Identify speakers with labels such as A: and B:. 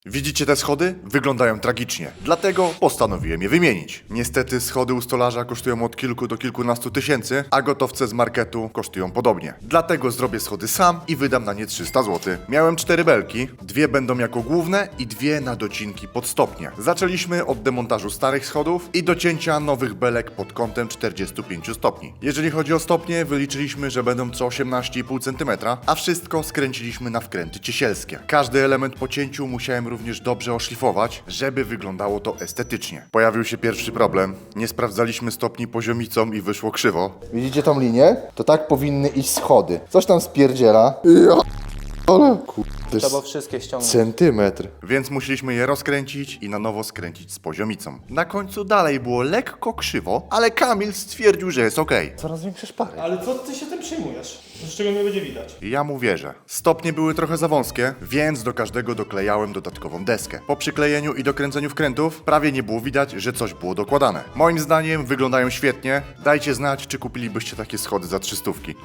A: Widzicie te schody? Wyglądają tragicznie. Dlatego postanowiłem je wymienić. Niestety schody u stolarza kosztują od kilku do kilkunastu tysięcy, a gotowce z marketu kosztują podobnie. Dlatego zrobię schody sam i wydam na nie 300 zł. Miałem 4 belki, 2 będą jako główne i 2 na docinki pod stopnie. Zaczęliśmy od demontażu starych schodów i docięcia nowych belek pod kątem 45 stopni. Jeżeli chodzi o stopnie, wyliczyliśmy, że będą co 18,5 cm, a wszystko skręciliśmy na wkręty ciesielskie. Każdy element po cięciu musiałem również dobrze oszlifować, żeby wyglądało to estetycznie. Pojawił się pierwszy problem. Nie sprawdzaliśmy stopni poziomicą i wyszło krzywo.
B: Widzicie tą linię? To tak powinny iść schody. Coś tam spierdziela. Ale kurde,
C: Trzeba wszystkie ściągnąć.
B: centymetr.
A: Więc musieliśmy je rozkręcić i na nowo skręcić z poziomicą. Na końcu dalej było lekko krzywo, ale Kamil stwierdził, że jest okej.
B: Coraz większe szpary.
D: Ale co ty się tym przejmujesz? Z czego nie będzie widać?
A: Ja mu wierzę. Stopnie były trochę za wąskie, więc do każdego doklejałem dodatkową deskę. Po przyklejeniu i dokręceniu wkrętów prawie nie było widać, że coś było dokładane. Moim zdaniem wyglądają świetnie. Dajcie znać, czy kupilibyście takie schody za 300.